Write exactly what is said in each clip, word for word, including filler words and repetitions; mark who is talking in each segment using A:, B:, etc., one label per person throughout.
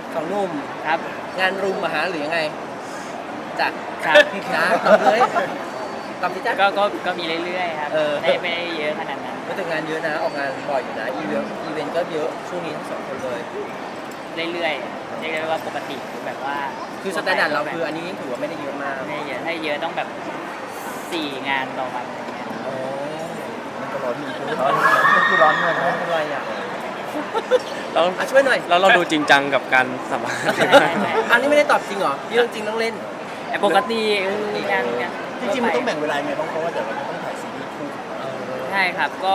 A: สองหนุ่ม
B: ครับ
A: งานรุมมาหาหรือยังไงจ้ะ
B: ครับ
A: นะตอบเลยตอบสิจ้ะ
B: ก็ก็ก็มีเรื่อยๆครับ
A: เออ
B: ไม่ไม่ได้เยอะขนาดนั้น
A: ก็แต่งานเยอะนะออกงานบ่อยอยู่นะอีเวนต์อีเวนต์ก็เยอะช่วงนี้ทั้งสองคนเลย
B: เรื่อยๆเรียกได้ว่าปกติแบบว่า
A: คือสแตนดาร์ดเราคืออันนี้ถือว่าไม่ได้เยอะมาก
B: ไม่ได้เยอะถ้าเยอะต้องแบบสี่งานต่อวันอะไรเงี้ย
A: อ๋อ
C: มันก็ร้อนมีร้อนมันคือร้อนเงิน
A: ไม่เป็นไรอ่ะ
D: เรา
A: อ่ะช่วยหน่อย
D: เราเราดูจริงจังกับการสัมภาษณ์
B: ใช่ใช่ใช่
A: อันนี้ไม่ได้ตอบจริงเหรอเรื่องจริงต้องเล่น
B: แต่ปกติเอองานงาน
C: จริงๆมันต้องแบ่งเวลาไงบ้างเพราะว่าเดี๋ยวเราจะต้องถ่ายซีรีส์คู่
B: ใช่ครับก็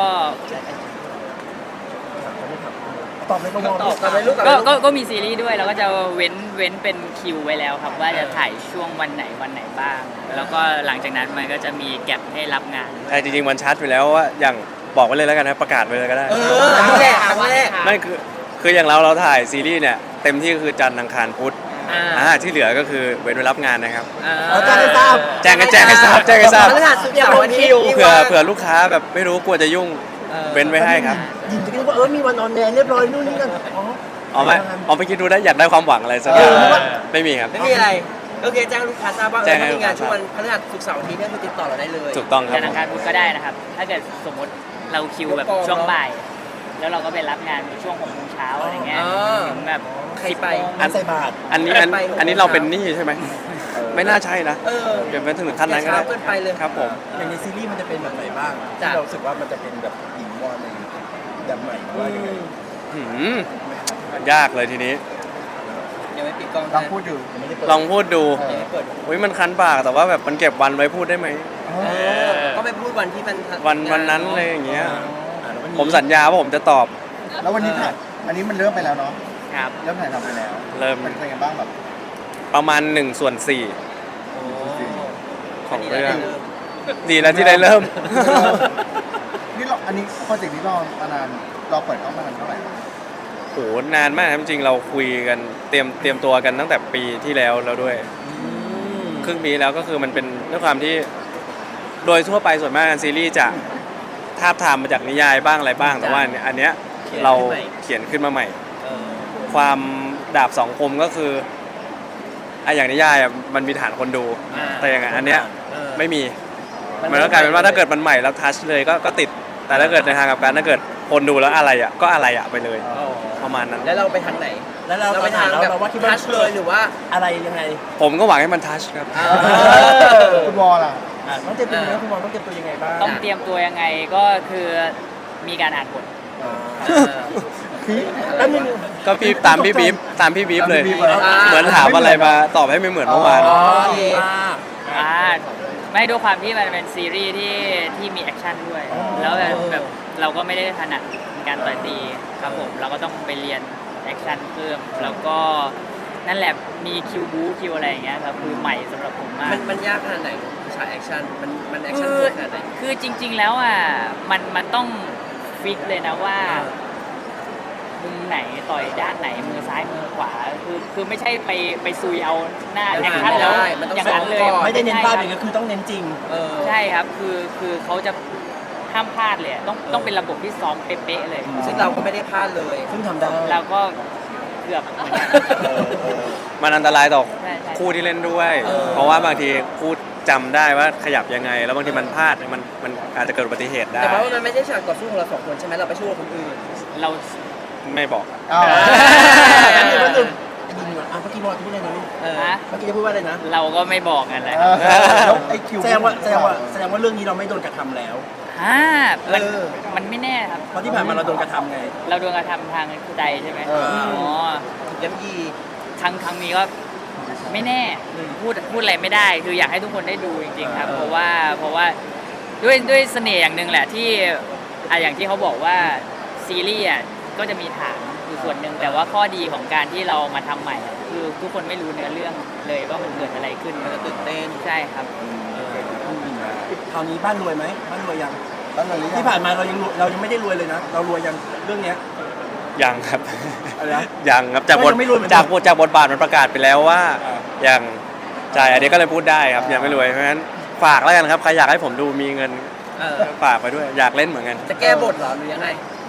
C: ตอบในกม
A: ตอบกันเลยลูก
B: ก็ก็ก็มีซีรีส์ด้วยเราก็จะเว้นเว้นเป็นคิวไว้แล้วครับ ว่าจะถ่ายช่วงวันไหนวันไหนบ้าง แล้วก็หลังจากนั้นมันก็จะมีแก็บให้รับงาน
D: ใช่จริงๆมันชัดไปแล้วว่าอย่างบอกไว้เลยแล้วกันนะประกาศไปเลยก็ได้
A: เออครั้งแรกครั้งแรก
D: นั่นคือคืออย่างเราเราถ่ายซีรีส์เนี่ยเต็มที่ก็คือจันทร์อังคารพุธ
A: อ่า
D: อ่าที่เหลือก็คือเว้นไว้รับงานนะครับ
C: เอาแจ้งให้ทราบ
D: แจ้งกันแจ้งให้ทราบแจ้งให้ทราบ
A: พฤหัสศุกร์เสาร์อาทิตย์
D: เผื่อเผื่อลูกค้าแบบไม่รู้กลัวจะยุ่ง
A: ออ
D: เว้นไว้ให้ครับ
C: ยินจะคิดว่าเออมีวันออนแอร์เรียบร้อยนู่นนี่กันอ๋อ
D: เอาไหมเอาไปคิดดูได้อยากได้ความหวังอะไรสักอย่าง
A: เออ
D: ไม่มีครับ
A: ไม่มีอะไรโอเคแจ้งลูกค้าทราบว่าเอ
D: แจ้
A: อง
D: ให้
A: ถ้ามีงาน
D: ลูกค้า
A: ช่วงวันพฤหัสศุกร์เสาร์อาทิตย์เนี่ยคือติดต่อเราได้เลย
D: ถูกต้องครับ
B: จันทร์อังคารพุธก็ได้นะครับ ถ้าเกิดสมมติเราคิวแบบช่วงบ่าย แล้วเราก็ไปรับงานช่วงหกโมงเช้าอะไรเงี้ย
A: อ๋อ
B: ถึงแบบ
A: ใครไป
B: สิบโมง
C: อันใส่บาท
D: อันนี้อัน
A: ไป
D: อันนี้เราเป็นหนี้ใช่ไหมไม่น่าใช่นะ
A: เออ
D: เดี๋ยวไปถึงขั้นนั้นก็
A: เช้า
D: ได้
A: เกินไปเลย
D: ครับผม
C: อย่างในซีรีส์มันจะเป็นแบบไหนบ้าง
A: จ้ะ
C: ที่เรารู้สึกว่ามันจะเป็นแบบหญิงวอนในแบบใหม่หรือว่ายังไง
D: หืมยากเลยทีนี้
A: ยังไม่ปิดกล้อง
C: ลองพูดดูยังไม่ได้เปิด
D: ลองพูดดู
C: เออ
A: ยังไม่เปิด
D: อุ้ยมันคันปากแต่ว่าแบบมันเก็บวันไว้พูดได้ไหม
A: เออก็ไม่พูดวันที่มัน
D: วันวันนั้นเลยอย่างเงี้ย
C: อ่าแล้ววันนี้
D: ผมสัญญาว่าผมจะตอบ
C: แล้ววันนี้ถ่ายอันนี้มันเริ่มไปแล้วเนาะ
B: ครับ
C: เริ่มถ่ายทำไปแล้ว
D: เริ่ม
C: เป็นยังไงบ้างแบบ
D: ประมาณหนึ่งส่วนสี่
A: โอ้
D: ของ
A: นนี้
D: เรื่อง
A: ได้ม
D: ดีแล้วที่ได้เริ่ม
C: นี่เราอันนี้โปรเจกต์นี้รอมานานรอเปิดกล้องมานานเท่าไหร่
D: โหนานมากครับจริงๆเราคุยกันเตรียมเตรียมตัวกันตั้งแต่ปีที่แล้วแล้วด้วย
A: อืม
D: ครึ่งปีแล้วก็คือมันเป็นด้วยความที่โดยทั่วไปส่วนมากงานซีรีส์จะทาบทามมาจากนิยายบ้างอะไรบ้าง แต่ว่าอันเนี้ยเราเขียนขึ้นมาใหม่
A: เออ
D: ความดาบสองคมก็คือไอะอย่างนิยายอะมันมีฐานคนดู
A: อ่า
D: แต่อย่างอันเนี้ย
A: เออ
D: ไม่มีมันก็กลายเป็นว่าถ้าเกิดมันใหม่แล้วทัชเลยก็ก็ติด แต่ถ้าเกิดในทางกลับกันถ้าเกิดคนดูแล้วอะไรอ่ะก็อะไรอ่ะไปเลย
A: อ๋อ
D: ประมาณนั้น
A: แล้วเราไปทางไหน
C: แล้วเรา
A: เรา
C: ไป
A: ไป
C: ถ่า
A: ทาย ง
C: เรา
A: แบบ
C: เราว่าคิดว่า
A: ทัชเลยหรือว่า
C: อะไรยังไง
D: ผมก็หวังให้มันทัชครับ
A: อ่า
C: คุณวอลล่ะอ่ะต้องเตรียมตัวยังไงคุณวอลต้องเตรียมตัวยังไงบ้าง
B: ต้องเตรียมตัวยังไงก็คือมีการอ่านบท
C: อ่า
A: เออ
C: พี่แล้วมี
D: ก็พี่ตามพี่บีฟตามพี่บีฟเลย
C: ตามพี่บีฟเลย
D: เหมือนถามอะไรมาตอบให้ไม่เหมือนเมื่อวาน
A: อ๋อโอเค
B: อ่าไม่ด้วยความที่มันเป็นซีรีส์ที่ที่มีแอคชั่นด้วย แล้วแบบแบบเราก็ไม่ได้ถนัดการต่อยตีครับผมเราก็ต้องไปเรียนแอคชั่นเพิ่มแล้วก็นั่นแหละมีคิวบูคิวอะไรอย่างเงี้ยครับคือใหม่สำหรับผมมาก
A: มันมันยากขนาดไหนฉากแอคชั่นมันมันแอคชั่น
B: คือ
A: โหดขนาดไหน
B: คือจริง ๆ แล้วอ่ะมันมันต้องฟิกเลยนะว่า
A: อ่า
B: มุมไหนต่อยด้านไหนมือซ้ายมือขวาคือคือไม่ใช่ไปไปซุยเอาหน้าแอคชั่นแล้ว
A: ได้มันต้อง
B: อย่างนั้นเลย
A: ซ้อมก่อน
C: ไม่ได้เน้นภาพ
B: ใช่
C: อย่าง
B: ครับ
C: นี้คือต้องเน้นจริง
A: เออ
B: ใช่ครับคือคือเขาจะห้ามพลาดเลยต้องต้องเป็นระบบที่ซ้อมเป๊ะๆเลย
A: ซึ่งเราก็ไม่ได้พลาดเลย
C: ซึ่งทำได้
B: เราก็เกือบเหมือนกัน
D: มันอันตรายต่อ
B: ใช่ใช่
D: คู่ที่เล่นด้วย
A: เออ
D: เพราะว่าบางทีคู่จำได้ว่าขยับยังไง แล้วบางทีมันพลาดมันมันอาจจะเกิดอุบัติเหตุได้
A: แต่ว่ามันไม่ใช่ฉากต่อสู้ของเราสองคนใช่ไหมเราไปสู้กับคนอื่น
B: เรา
D: ไม่บอก
C: อ้าว
A: เออ
C: อันนี้ก็หนึ่งยิงอ่ะอ่ะเมื่อกี้วอลจะพูดอะไรนะลูก
A: เออ
B: ฮะ
C: เมื่อกี้จะพูดว่าอะไรนะ
B: เราก็ไม่บอกกันแหละ
C: แล้วไอ้คิวแสดงว่าแสดงว่าแสดงว่าเรื่องนี้เราไม่โดนกระทำแล้ว
B: ฮ่ามัน
C: เออ
B: มันไม่แน่ครับ
C: เพราะที่ผ่านมาเราโดนกระทำไง
B: เราโดนกระทำทางใจใช่ไหม
C: เอออ๋
B: อ๋อ
A: ถูกย้ำยี
B: ครั้งครั้งนี้ก็ไม่แน่พูดพูดอะไรไม่ได้ คืออยากให้ทุกคนได้ดูจริงๆครับ เพราะว่าเพราะว่าด้วยด้วยเสน่ห์อย่างหนึ่งแหละที่อ่ะอย่างที่เขาบอกว่าซีรีส์อ่ะก็จะมีฐานอยู่ส่วนหนึ่งแต่ว่าข้อดีของการที่เรามาทำใหม่อ่ะคือทุกคนไม่รู้เนื้อเรื่องเลยว่ามันเกิดอะไรขึ้น
A: มันจะตื่นเต้น
B: ใช่ครับ
C: คราวนี้บ้านรวยไหมบ้านรวยยัง
E: บ้านรวยหรือยัง
C: ที่ผ่านมาเรายังรวยเรายังไม่ได้รวยเลยนะ เรารวยยังเรื่องเนี้ย
D: ยังครับ
C: อะไรนะ
D: ยังครับจากบท
C: ก็ยังไม่รวยเหมือนกัน
D: จากบทจากบทบาทมันประกาศไปแล้วว่า
C: อ่า
D: ยังใช่อันนี้ก็เลยพูดได้ครับยังไม่รวยเพราะฉะนั้นฝากแล้วกันครับใครอยากให้ผมดูมีเงิน
A: เออ
D: ฝากไปด้วยอยากเล่นเหมือนกัน
A: จะแก้บทเหรอหรือยังไง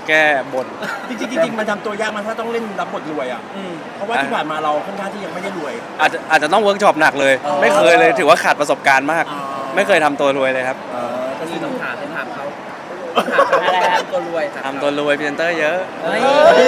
D: แก้บน
E: จริงๆจริงๆมันทำตัวยากมันถ้าต้องเล่นรับบทรวยอ่ะ
A: อืม
E: เพราะว่าที่ผ่านมาเราค่อนข้างที่ยังไม่ได้รวย
D: อาจจะอาจจะต้องเวิร์กช็อปหนักเลย
A: อ๋อ
D: ไม่เคยเลยถือว่าขาดประสบการณ์มาก
E: อ๋อ
D: ไม่เคยทำตัวรวยเลยครับ
E: เออก็
A: นี่
E: คือ
A: ต้องถามต้องถามเขาถามเขา
B: อะไรครับ
A: ทำตัวรวยถาม
D: ทำตัวรวยพรีเซนเตอร์เยอะ
A: เฮ้ย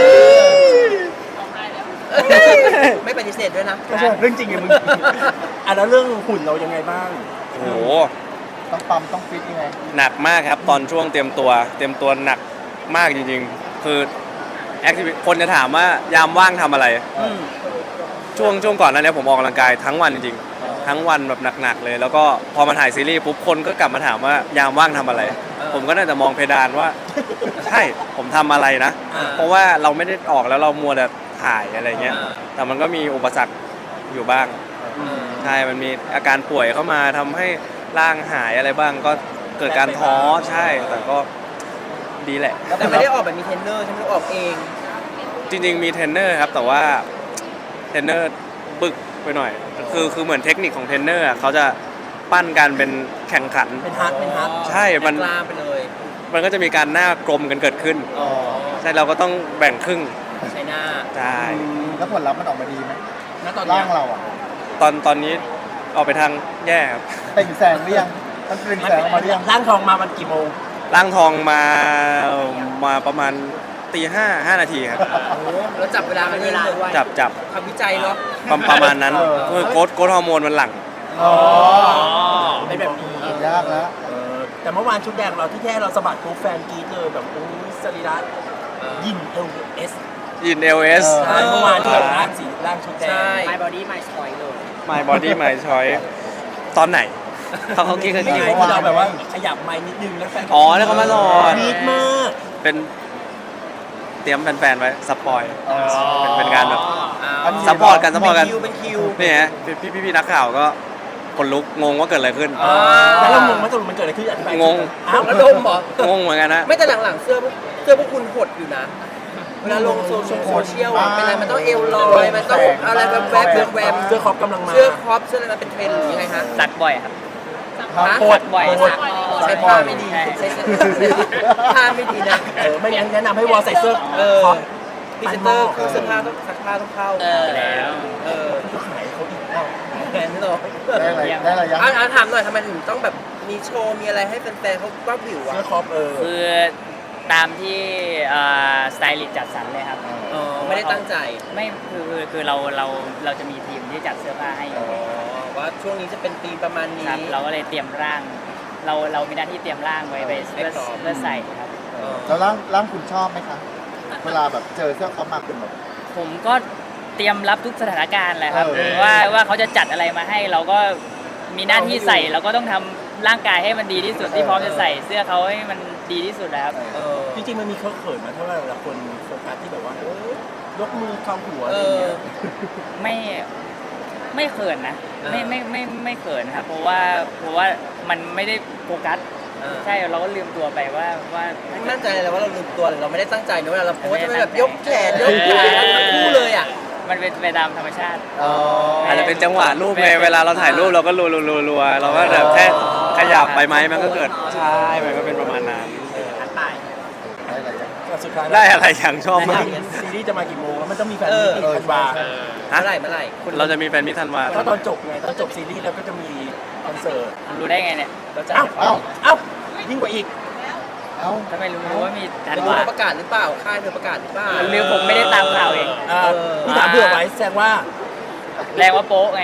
A: ไม่ปฏิเสธด้วยนะ
E: ก็ใช่เรื่องจริงไงมึงอ่ะแล้วเรื่องหุ่นเรายังไงบ้าง
D: โอ้โห
C: ต้องปั๊มต้องฟิตยังไง
D: หนักมากครับตอนช่วงเตรียมตัว เตรียมตัวหนักมากจริงๆ คือแอคทิวิคนจะถามว่ายามว่างทำอะไร
A: อืม
D: ช่วงช่วงก่อนหนั้นเนี่ยผมออกกำลังกายทั้งวันจริงๆ ทั้งวันแบบหนักๆเลย แล้วก็พอมาถ่ายซีรีส์ปุ๊บคนก็กลับมาถามว่ายามว่างทำอะไร ผมก็น่าจะมองเพดานว่า ใช่ผมทำอะไรนะ
A: อ่า
D: เพราะว่าเราไม่ได้ออกแล้วเรามัวแต่ถ่ายอะไรเงี้ย
A: อ่า
D: แต่มันก็มีอุปสรรคอยู่บ้าง
A: อืม
D: ใช่ มันมีอาการป่วยเข้ามาทำให้ร่างหายอะไรบ้าง ก็เกิดการท้อใช่ แต่ก็ดีแหละ
A: แต่ไม่ได้ออกแบบมีเทรนเนอร์ใช่ไหมออกเอง
D: จริงๆมีเทรนเนอร์ครับ แต่ว่าเทรนเนอร์บึกไปหน่อย คือคือเหมือนเทคนิคของเทรนเนอร์อะเขาจะปั้นกันเป็นแข่งขัน
E: เป็นฮาร์ดเป็นฮาร์ด
D: ใช่มัน
A: กลามไปเลย
D: มันก็จะมีการหน้ากลมกันเกิดขึ้น
A: อ๋อ
D: ใช่เราก็ต้องแบ่งครึ่ง
A: ใช่หน้า
D: ใช่
C: แล้วผลลัพธ์มันออกมาดีไหม
E: ณตอนเนี้
C: ร่าย งเราอ่ะ
D: ตอนตอนนี้ออกไปทางแย่ครับ
C: เปล่งแสงหรือยังมันเปล่งแสงออกมาหรือยัง
E: ร่างทองมามันกี่โมง
D: ร่างทองมามาประมาณตีห้าห้านาทีครับ
A: โอ้โหแล้วจับเวลากันเองเลย
D: จับจับ
A: ทำวิจัยเนาะ
D: ประประมาณนั้น
C: เออ
D: คือโกดโกดฮอร์โมนมันหลั่ง
C: อ๋อ
E: เป็นแบบนี้
C: ยากแล้ว
E: เออแต่เมื่อวานชุดแดงเราที่แค่เราสะบัดปุ๊บแฟนกรี๊ดเลยแบบโอ้ยสรีระยินเอลเอส
D: ยินเอลเอส
C: เอ
E: ใช่เมื่อวานที่แบบร่างสีร่างชุดแดง
A: ใช่
B: My body my choice เลย
D: My body my choice ตอนไหนเขาเขาคิดกัน
E: นี่
D: กี่
E: ไงที่เราแบบว่าขยับไม้นิดนึงแล้วแฟน
D: อ๋อแล้วเขามาสอน
E: กรี๊ดมาก
D: เป็นเตรียมแฟนๆไว้สปอย
C: อ๋อ
D: เป็นเป็นการแบบ
C: อันนี้
D: ซัพพอร์ตกันซัพพอร์ตกัน
A: เป็นคิวเป็นคิว
D: นี่ฮะพี่พี่พี่นักข่าวก็คนลุกงงว่าเกิดอะไรขึ้น
A: อ๋อ
E: แล้วเรางงว่าสรุปมันเกิดอะไรขึ้นอธิบาย
D: งง
E: อ้าว
A: แล้วดมเหรอ
D: งงเหมือนกันนะ
A: ไม่แต่หลังๆเสื้อพวกเสื้อพวกคุณหดอยู่นะ เวลาลงโซเชียลโซเชียลอะเป็นอะไรมันต้องเอวลอย มันต้องอะไรแบบแวบแวบ
E: เสื้อครอปกำลังมา
A: เสื้อครอปเสื้ออะไรมันเป็นเทรนด์หรือยังไงฮะ
B: ซักบ่อยครับ
C: ครับ
A: ฮะ
C: โคตร
B: บ่อย
C: โคตร
A: ใช้ผ้าไม่ดี
B: ใช่
A: ใช้เสื้อผ้าไม่ดีนะ
E: เออไม่งั้นแนะนำให้วอลใส่เสื้อ
A: เออ
E: ครอป
A: พรีเซนเตอร์เสื้อผ้าต้องซักผ้าต้องเข้า
B: เออแล้ว
A: เออ
E: ขายเขาอีก
A: แทนไม่หรอก
C: ได้อะไรได้อะไรยัง
A: อ่ะอ่ะถามหน่อยทำไมถึงต้องแบบมีโชว์มีอะไรให้แฟนๆเขาว่าวิวอ่ะ
E: เสื้อครอปเออ
B: คือตามที่สไตลิสต์จัดสรรเลยครับ
A: อ๋อไม่ได้ตั้งใจ
B: ไม่คือคือคือเราเราเราจะมีทีมที่จัดเสื้อผ้าให้อยู่
A: อ๋อว่าช่วงนี้จะเป็นธีมประมาณนี้
B: ครับเราก็เลยเตรียมร่าง เราเรามีหน้าที่เตรียมร่างไว้ไปเพื่อ
A: ให้พร้อม
B: เพื่อใส่ครับ
A: เออ
C: แล้วร่างร่างคุณชอบไหมคะ เวลาแบบเจอเสื้อเขามาคุณแบบ
B: ผมก็เตรียมรับทุกสถานการณ์แหละครับ
C: เออ
B: ว่าว่าเขาจะจัดอะไรมาให้ เราก็มีหน้าที่ใส่เราก็ต้องทำร่างกายให้มันดีที่สุดที่พร้อมจะใส่เสื้อเขาให้มันดีที่สุดนะครับ
A: เออ
E: จริงๆมันมีเคอะเขินมาเท่าไหร่เวลาคนโฟกัสที่แบบว่าเออยกมือเข้าหัวอะ
A: เอ
E: ไรอย่าง
A: อ
E: เงี้ย
B: ไม่ไม่เขินนะ
A: อ่า
B: ไม่ไม่ไม่ไม่เขินครับเพราะว่าเพราะว่ามันไม่ได้โฟกัส
A: เออ
B: ใช่เราก็ลืมตัวไปว่าว่า
A: ไม่มั่นใจเลยว่าเราลืมตัวหรือเราไม่ได้ตั้งใจนะเวลาเราโพสจะไม่แบบยกแขนยกขาทั้งคู่เลยอ่ะ
B: มันเป็นไปตามธรรมชาติ
C: อ๋อ
D: อาจจะเป็นจังหวะรูปไงเวลาเราถ่ายรูปเราก็รัวรัวรัวรัวเราก็แบบแค่ขยับไปไหมมันก็เกิดใช่มันก็เป็นประมาณนั้น
C: ได้อะไรยัง
E: ก็สุดท้าย
D: ได้อะไรอย่างชอบมาก
E: ซีรีส์จะมากี่โมงแล้วมันต้องมีแฟน
A: เอ
E: มิ
A: อ
E: ตติ้งธันวา
A: เมื่อไหร่เมื่อไหร่
D: เราจะมีแฟนมิตรธันวา
E: ก็ตอนจบไงตอนจบซีรีส์แล้วก็จะมีคอนเสิร์ต
B: รู้ได้ไงเนี่ย
A: เราจะ
E: เอ้าเอ้าเอ้ายิ่งกว่าอีก
C: เอ้า
B: ถ้าไม่รู้ว่ามีทัน
A: ไม่รู้
B: วา
A: เขาประกาศหรือเปล่าค่ายเธอประกาศหรือเปล่า
B: หรือผมไม่ได้ตามข่าวเอง
E: เอ่อ
A: เออ
E: นี่ถามเผื่อไว้แสดงว่า
B: แรงว่าโป๊ะไง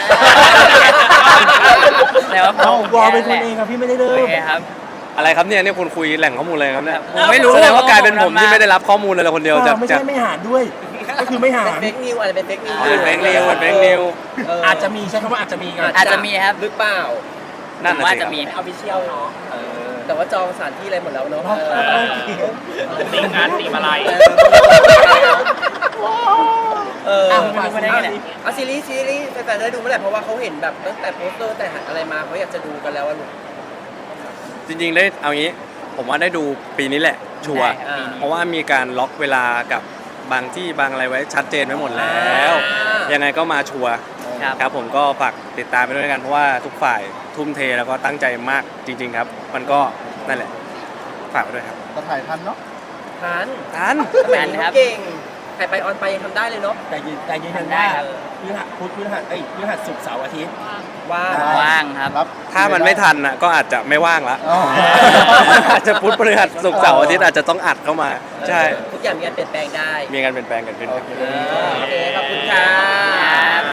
B: แรงว่า
E: เอ้า
B: โป๊ะ
E: วอลเป็นคนเองครับพี่ไม่ได้เริ่
B: โอ
E: ม
B: เคครับ
D: อะไรครับเนี่ยเนี่ยคุณคุยแหล่งข้อมูลอะไรครับเนี่ย
B: ผมไม่รู้
D: แสดงว่ากลายเป็นผมที่ไม่ได้รับข้อมูลเลยคนเดียว
E: เอ
D: จา
E: อก ไม่
D: จาก
E: ใช่ไม่หารด้วย ก็คือไม่หา
A: เป็น
E: ร
A: เฟกนิวอาจจะเป็นเฟกนิว
D: เป็นเฟกนิวเป็นเฟกนิว
E: อาจจะมีใช้คำว่าอาจจะมีกัน
B: อาจจะมีครับ
A: หรือเปล่า
D: นั่น
B: ผม
D: น่ะ
B: ว่า
D: สิค
B: จะ
D: รับ
B: มี
A: ออฟฟิเชียลเนาะแต่ว่าจองสถานที่อะไรหมดแล้วเนาะ
B: ตีงานตีมาลาย
A: เออ
B: อ้าวไม่รู้มาได้ไงเนี่ย
A: เอาซีรีส์ซีรีส์แฟนๆได้ดูเมื่อไหร่เพราะว่าเขาเห็นแบบตั้งแต่โปสเตอร์แต่อะไรมาเขาอยากจะดูกันแล้วอะลูก
D: จริงๆได้เอางี้ ผมว่าได้ดูปีนี้แหละชัวร์
B: ได้ครับปีนี้
D: เพราะว่ามีการล็อกเวลากับบางที่บางอะไรไว้ชัดเจนไว้หมดแล้ว ยังไงก็มาชัวร์
B: ครับ
D: ครับผมก็ฝากติดตามไปด้วยกันเพราะว่าทุกฝ่ายทุ่มเทแล้วก็ตั้งใจมากจริง ๆ ครับ มันก็นั่นแหละฝากไว้ด้วยครับ
C: เราถ่ายทันเนาะ
A: ทัน
D: ทัน
A: สมัยนี้เขาเก่งใครไปออนไปยังทำได้เลยเนาะ
E: แต่ยืนแต่ยืนยัน
B: ได้
E: ว่า
B: ครับ
E: พฤหัสพุธพฤหัสเอ้ยพฤหัสศุกร์เสาร์อาทิตย์
A: ว่า
B: ว่างครับ
C: รับ
D: ถ้ามันไม่ทันน่ะก็อาจจะไม่ว่างละ
C: อ๋อ
D: อาจจะพุธพฤหัสศุกร์เสาร์อาทิตย์อาจจะต้องอัดเข้ามา ใช่
A: ทุกอย่างมีการเปลี่ยนแปลงได้
D: มีการเปลี่ยนแปลงกันขึ้นครับ
A: โอเค ขอบคุณค่ะ